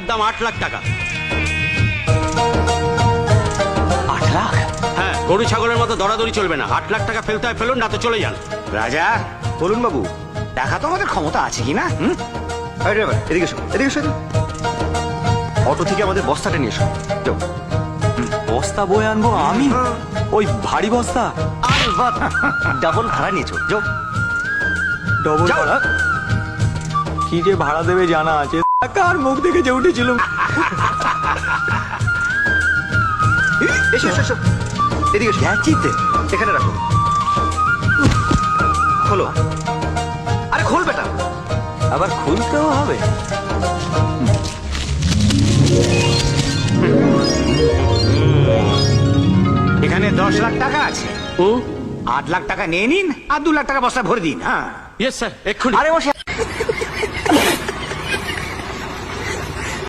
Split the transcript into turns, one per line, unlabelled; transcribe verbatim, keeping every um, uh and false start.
দাম আট লাখ টাকা।
আট লাখ?
হ্যাঁ, গরু ছাগলের মতো দরাদরি চলবে না। আট লাখ টাকা ফেলতে হয় ফেলুন, না তো চলে যান।
রাজা বলুন বাবু, দেখা তো আমাদের ক্ষমতা আছে কি না? হুম, আরে ড্রাইভার, এদিকে এসো, এদিকে এসো। অটো থেকে আমাদের বস্তাটা নিয়ে এসো। যাও।
বস্তা বয়ে আনবো আমি? ওই ভারী বস্তা?
ডাবল ভাড়া নিয়েছো, যাও।
ডবল
যাও।
ভাড়া? কি যে ভাড়া দেবে জানা আছে? কার মুখ দেখে যে উঠেছিল।
এসো এসো এসো, এদিকে এসো।
যাচ্ছিতে
এখানে রাখো। খোলো। আরে খোল বেটা।
আবার খুলতেও হবে?
এখানে দশ লাখ টাকা আছে,
হুম,
আট লাখ টাকা নিয়ে নিন আর দু লাখ টাকা বস্তা ভরে দিন। হ্যাঁ,
ইয়েস স্যার, এক্ষুনি।
আরে বসে